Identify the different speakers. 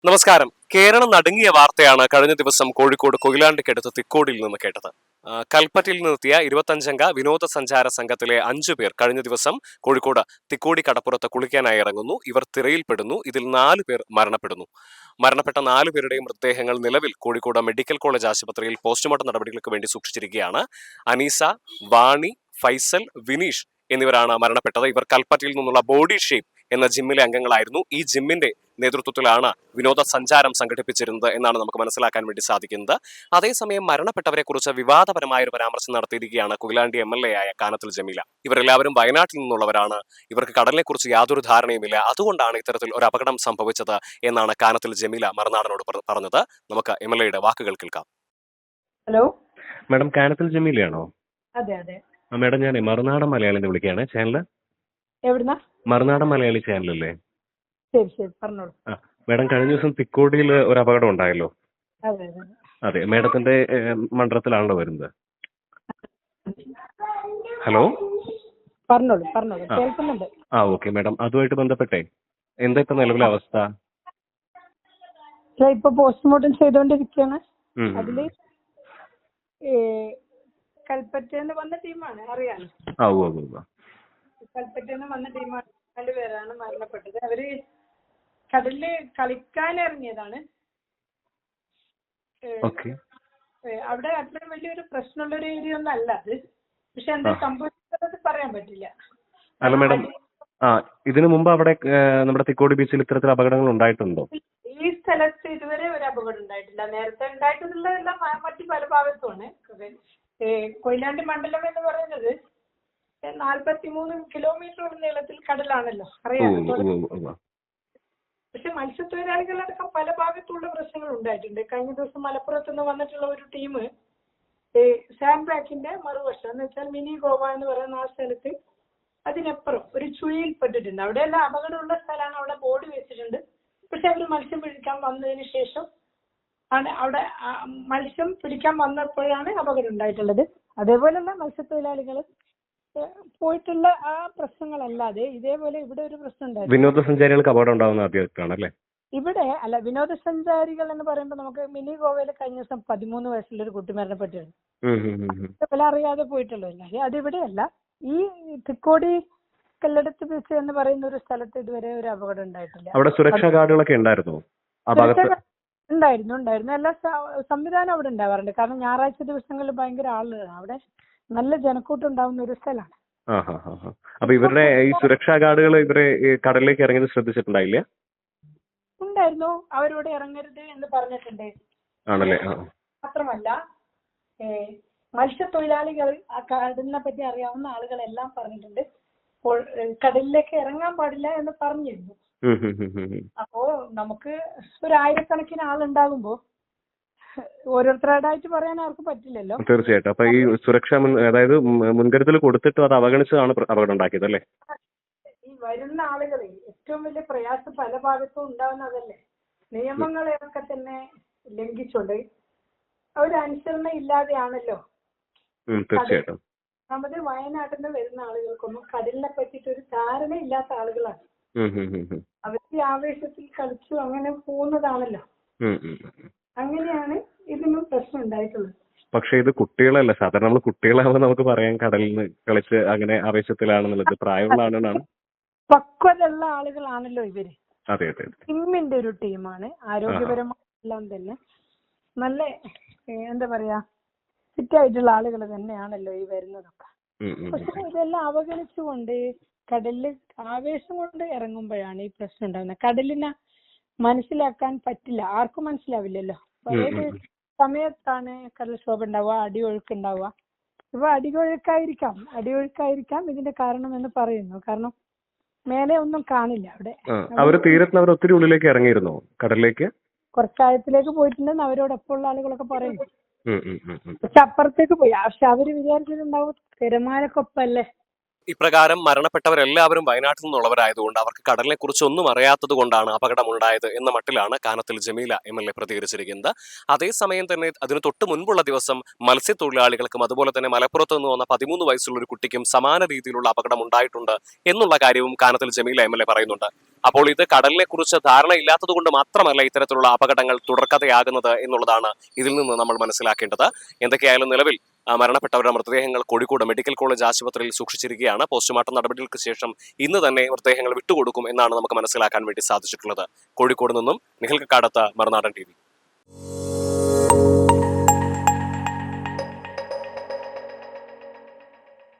Speaker 1: നമസ്കാരം. കേരളം നടുങ്ങിയ വാർത്തയാണ് കഴിഞ്ഞ ദിവസം കോഴിക്കോട് കൊയിലാണ്ടിക്കടുത്ത് തിക്കോടിയിൽ നിന്ന് കേട്ടത്. കൽപ്പറ്റയിൽ നിന്നെത്തിയ 25-അംഗ വിനോദസഞ്ചാര സംഘത്തിലെ 5 പേർ കഴിഞ്ഞ ദിവസം കോഴിക്കോട് തിക്കോടി കടപ്പുറത്ത് കുളിക്കാനായി ഇറങ്ങുന്നു. ഇവർ തിരയിൽപ്പെടുന്നു. ഇതിൽ 4 പേർ മരണപ്പെടുന്നു. മരണപ്പെട്ട 4 പേരുടെയും മൃതദേഹങ്ങൾ നിലവിൽ കോഴിക്കോട് മെഡിക്കൽ കോളേജ് ആശുപത്രിയിൽ പോസ്റ്റ്മോർട്ടം നടപടികൾക്ക് വേണ്ടി സൂക്ഷിച്ചിരിക്കുകയാണ്. അനീസ, വാണി, ഫൈസൽ, വിനീഷ് എന്നിവരാണ് മരണപ്പെട്ടത്. ഇവർ കൽപ്പറ്റയിൽ നിന്നുള്ള ബോഡി ഷേപ്പ് എന്ന ജിമ്മിലെ അംഗങ്ങളായിരുന്നു. ഈ ജിമ്മിന്റെ നേതൃത്വത്തിലാണ് വിനോദസഞ്ചാരം സംഘടിപ്പിച്ചിരുന്നത് എന്നാണ് നമുക്ക് മനസ്സിലാക്കാൻ വേണ്ടി സാധിക്കുന്നത്. അതേസമയം മരണപ്പെട്ടവരെ കുറിച്ച് വിവാദപരമായ ഒരു പരാമർശം നടത്തിയിരിക്കുകയാണ് കൊയിലാണ്ടി MLA ആയ കാനത്തിൽ ജമീല. ഇവരെല്ലാവരും വയനാട്ടിൽ നിന്നുള്ളവരാണ്. ഇവർക്ക് കടലിനെ കുറിച്ച് യാതൊരു ധാരണയുമില്ല. അതുകൊണ്ടാണ് ഇത്തരത്തിൽ ഒരു അപകടം സംഭവിച്ചത് എന്നാണ് കാനത്തിൽ ജമീല മറുനാടനോട് പറഞ്ഞത്. നമുക്ക് MLAയുടെ വാക്കുകൾ കേൾക്കാം.
Speaker 2: ഹലോ
Speaker 3: മാഡം, കാനത്തിൽ ജമീലയാണോ?
Speaker 2: അതെ അതെ.
Speaker 3: മാഡം, ഞാൻ മറുനാടൻ മലയാളിന്ന് വിളിക്കുകയാണ്. ചാനല്
Speaker 2: എവിടുന്നാ?
Speaker 3: മറുനാടൻ മലയാളി ചാനലല്ലേ?
Speaker 2: ശരി ശരി, പറഞ്ഞോളൂ.
Speaker 3: മാഡം, കഴിഞ്ഞ ദിവസം തിക്കോടിയിൽ ഒരു അപകടം ഉണ്ടായല്ലോ.
Speaker 2: അതെ അതെ.
Speaker 3: അതെ, മാഡത്തിന്റെ മണ്ഡലത്തിലാണല്ലോ വരുന്നത്. ഹലോ,
Speaker 2: പറഞ്ഞോളൂ പറഞ്ഞോളൂ, കേൾക്കുന്നുണ്ട്.
Speaker 3: ഓക്കെ മാഡം, അതുമായിട്ട് ബന്ധപ്പെട്ടേ എന്താ ഇപ്പൊ നിലവിലെ അവസ്ഥ?
Speaker 2: ഇപ്പൊ പോസ്റ്റ്മോർട്ടം ചെയ്തുകൊണ്ടിരിക്കുകയാണ്. അതില് കൽപ്പറ്റന്ന് വന്ന ടീമാണ്, അറിയാലോ. കൽപ്പറ്റന്ന് വന്ന ടീമാണ്. 2 പേരാണ് മരണപ്പെട്ടത്. അവര് കടലില് കളിക്കാൻ ഇറങ്ങിയതാണ്. അവിടെ അത്ര വലിയൊരു പ്രശ്നമുള്ള ഒരു ഏരിയ ഒന്നും അല്ല അത്. പക്ഷെ എന്താ സംഭവിച്ചത് പറയാൻ പറ്റില്ല.
Speaker 3: അല്ല മാഡം, ഇതിനു മുമ്പ് അവിടെ നമ്മുടെ തിക്കോടി ബീച്ചിൽ ഇത്തരത്തിൽ അപകടങ്ങൾ ഉണ്ടായിട്ടുണ്ടോ?
Speaker 2: ഈ സ്ഥലത്ത് ഇതുവരെ ഒരു അപകടം ഉണ്ടായിട്ടില്ല. നേരത്തെ ഉണ്ടായിട്ടുള്ളതെല്ലാം മറ്റു പല ഭാഗത്തുമാണ്. കൊയിലാണ്ടി മണ്ഡലം എന്ന് പറയുന്നത് 43 കിലോമീറ്റർ നീളത്തിൽ കടലാണല്ലോ, അറിയാമല്ലോ. പക്ഷെ മത്സ്യത്തൊഴിലാളികളടക്കം പല ഭാഗത്തുള്ള പ്രശ്നങ്ങൾ ഉണ്ടായിട്ടുണ്ട്. കഴിഞ്ഞ ദിവസം മലപ്പുറത്ത് നിന്ന് വന്നിട്ടുള്ള ഒരു ടീം സാൻഡ് ബാക്കിന്റെ മറുവശം എന്ന് വെച്ചാൽ മിനി ഗോവ എന്ന് പറയുന്ന ആ സ്ഥലത്ത് അതിനപ്പുറം ഒരു ചുഴിയിൽ പെട്ടിട്ടുണ്ട്. അവിടെയെല്ലാം അപകടമുള്ള സ്ഥലമാണ്. അവിടെ ബോർഡ് വെച്ചിട്ടുണ്ട്. പക്ഷെ അവർ മത്സ്യം പിടിക്കാൻ വന്നതിന് ശേഷം ആണ് അവിടെ മത്സ്യം പിടിക്കാൻ വന്നപ്പോഴാണ് അപകടം ഉണ്ടായിട്ടുള്ളത്. അതേപോലെയുള്ള മത്സ്യത്തൊഴിലാളികൾ പോയിട്ടുള്ള ആ പ്രശ്നങ്ങളല്ലാതെ ഇതേപോലെ ഇവിടെ ഒരു പ്രശ്നം ഉണ്ടായിരുന്നു.
Speaker 3: വിനോദസഞ്ചാരികൾക്ക് അപകടം ഉണ്ടാവുന്ന ആദ്യമായിട്ടാണല്ലേ?
Speaker 2: ഇവിടെ അല്ല, വിനോദസഞ്ചാരികൾ എന്ന് പറയുമ്പോൾ നമുക്ക് മിനി ഗോവയിൽ കഴിഞ്ഞ ദിവസം 13 വയസ്സുള്ള ഒരു കുട്ടി മരണപ്പെട്ടിരുന്നു. അറിയാതെ പോയിട്ടുള്ളൂ. അതിവിടെയല്ല, ഈ തിക്കോടി കല്ലടത്ത് ബീച്ച് എന്ന് പറയുന്ന ഒരു സ്ഥലത്ത് ഇതുവരെ ഒരു അപകടം ഉണ്ടായിട്ടില്ല.
Speaker 3: അവിടെ സുരക്ഷാ ഗാർഡുകളൊക്കെ ഉണ്ടായിരുന്നു.
Speaker 2: ഉണ്ടായിരുന്നു. എല്ലാ സംവിധാനം അവിടെ ഉണ്ടാവാറുണ്ട്. കാരണം ഞായറാഴ്ച ദിവസങ്ങളിൽ ഭയങ്കര ആളുകളാണ് അവിടെ. നല്ല ജനക്കൂട്ടം ഉണ്ടാവുന്ന ഒരു സ്ഥലമാണ്.
Speaker 3: അപ്പൊ ഇവരുടെ ഈ സുരക്ഷാ ഗാർഡുകൾ ഇവരെ കടലിലേക്ക് ഇറങ്ങിയത് ശ്രദ്ധിച്ചിട്ടുണ്ടായില്ല?
Speaker 2: ഉണ്ടായിരുന്നു. അവരോട് ഇറങ്ങരുത് എന്ന് പറഞ്ഞിട്ടുണ്ട്.
Speaker 3: ആണല്ലേ?
Speaker 2: മാത്രമല്ല മത്സ്യത്തൊഴിലാളികൾ ആ കടലിനെ പറ്റി അറിയാവുന്ന ആളുകളെല്ലാം പറഞ്ഞിട്ടുണ്ട് കടലിലേക്ക് ഇറങ്ങാൻ പാടില്ല എന്ന് പറഞ്ഞിരുന്നു. അപ്പോ നമുക്ക് 1000-കണക്കിന് ആളുണ്ടാകുമ്പോ ഓരോരുത്തരായിട്ട് പറയാൻ ആർക്കും പറ്റില്ലല്ലോ.
Speaker 3: തീർച്ചയായിട്ടും. അപ്പൊ ഈ സുരക്ഷ അതായത് മുൻകരുതൽ കൊടുത്തിട്ടും അത് അവഗണിച്ചതാണ് അപകടം ഉണ്ടാക്കിയത് അല്ലേ?
Speaker 2: ഈ വരുന്ന ആളുകളെ ഏറ്റവും വലിയ പ്രയാസം പല ഭാഗത്തും ഉണ്ടാവുന്നതല്ലേ. നിയമങ്ങളെയൊക്കെ തന്നെ ലംഘിച്ചുകൊണ്ട് അവരനുസരണ ഇല്ലാതെയാണല്ലോ.
Speaker 3: തീർച്ചയായിട്ടും.
Speaker 2: നമ്മുടെ വയനാട്ടിൽ നിന്ന് വരുന്ന ആളുകൾക്കൊന്നും കടലിനെ പറ്റിയിട്ട് ഒരു ധാരണ ഇല്ലാത്ത ആളുകളാണ്. അവർക്ക് ആവേശത്തിൽ കളിച്ചു അങ്ങനെ പോകുന്നതാണല്ലോ. അങ്ങനെയാണ് ഇതിനും പ്രശ്നം ഉണ്ടായിട്ടുള്ളത്.
Speaker 3: പക്ഷെ ഇത് കുട്ടികളല്ല. സാധാരണ നമ്മൾ കുട്ടികളാവുമ്പോൾ നമുക്ക് പറയാൻ കടലിൽ നിന്ന് കളിച്ച് അങ്ങനെ ആവേശത്തിലാണെന്നുള്ളത്. പ്രായമുള്ള ആളുകളാണ്,
Speaker 2: പക്വതയുള്ള ആളുകളാണല്ലോ ഇവര്.
Speaker 3: അതെ അതെ.
Speaker 2: ടീമിന്റെ ഒരു ടീമാണ്. ആരോഗ്യപരമായെല്ലാം തന്നെ നല്ല എന്താ പറയാ ഫിറ്റായിട്ടുള്ള ആളുകൾ തന്നെയാണല്ലോ ഈ വരുന്നതൊക്കെ. പക്ഷെ ഇതെല്ലാം അവഗണിച്ചുകൊണ്ട് കടലില് ആവേശം കൊണ്ട് ഇറങ്ങുമ്പോഴാണ് ഈ പ്രശ്നം ഉണ്ടാകുന്നത്. കടലിനെ മനസ്സിലാക്കാൻ പറ്റില്ല, ആർക്കും മനസ്സിലാവില്ലല്ലോ. ഏത് സമയത്താണ് കടൽക്ഷോഭം ഉണ്ടാവുക, അടിയൊഴുക്ക് ഉണ്ടാവുക. ഇപ്പൊ അടിയൊഴുക്കായിരിക്കാം ഇതിന്റെ കാരണം എന്ന് പറയുന്നു. കാരണം മേലെ ഒന്നും കാണില്ല അവിടെ.
Speaker 3: അവര് തീരത്തിന് അവർ ഒത്തിരി ഉള്ളിലേക്ക് ഇറങ്ങിയിരുന്നോ കടലിലേക്ക്?
Speaker 2: കുറച്ചായത്തിലേക്ക് പോയിട്ടുണ്ടെന്ന് അവരോടൊപ്പം ഉള്ള ആളുകളൊക്കെ പറയുന്നു. പക്ഷെ അപ്പുറത്തേക്ക് പോയി. പക്ഷെ അവര് വിചാരിച്ചിട്ടുണ്ടാവും തിരമാലക്കൊപ്പല്ലേ
Speaker 1: ഇപ്രകാരം മരണപ്പെട്ടവരെല്ലാവരും വയനാട്ടിൽ നിന്നുള്ളവരായതുകൊണ്ട് അവർക്ക് കടലിനെ കുറിച്ച് ഒന്നും അറിയാത്തത് കൊണ്ടാണ് അപകടമുണ്ടായത് എന്ന മട്ടിലാണ് കാനത്തിൽ ജമീല MLA പ്രതികരിച്ചിരിക്കുന്നത്. അതേസമയം തന്നെ അതിന് തൊട്ട് മുൻപുള്ള ദിവസം മത്സ്യത്തൊഴിലാളികൾക്കും അതുപോലെ തന്നെ മലപ്പുറത്ത് നിന്ന് വന്ന 13 വയസ്സുള്ള ഒരു കുട്ടിക്കും സമാന രീതിയിലുള്ള അപകടം ഉണ്ടായിട്ടുണ്ട് എന്നുള്ള കാര്യവും കാനത്തിൽ ജമീല MLA പറയുന്നുണ്ട്. അപ്പോൾ ഇത് കടലിനെ കുറിച്ച് ധാരണയില്ലാത്തത് കൊണ്ട് മാത്രമല്ല ഇത്തരത്തിലുള്ള അപകടങ്ങൾ തുടർക്കഥയാകുന്നത് എന്നുള്ളതാണ് ഇതിൽ നിന്ന് നമ്മൾ മനസ്സിലാക്കേണ്ടത്. എന്തൊക്കെയായാലും നിലവിൽ മരണപ്പെട്ടവരുടെ മൃതദേഹങ്ങൾ കോഴിക്കോട് മെഡിക്കൽ കോളേജ് ആശുപത്രിയിൽ സൂക്ഷിച്ചിരിക്കുകയാണ്. പോസ്റ്റ്മോർട്ടം നടപടികൾക്ക് ശേഷം ഇന്ന് തന്നെ മൃതദേഹങ്ങൾ വിട്ടുകൊടുക്കും എന്നാണ് നമുക്ക് മനസ്സിലാക്കാൻ വേണ്ടി സാധിച്ചിട്ടുള്ളത്. കോഴിക്കോട് നിന്നും നിഖിൽ കക്കാടത്ത്, മറുനാടൻ TV.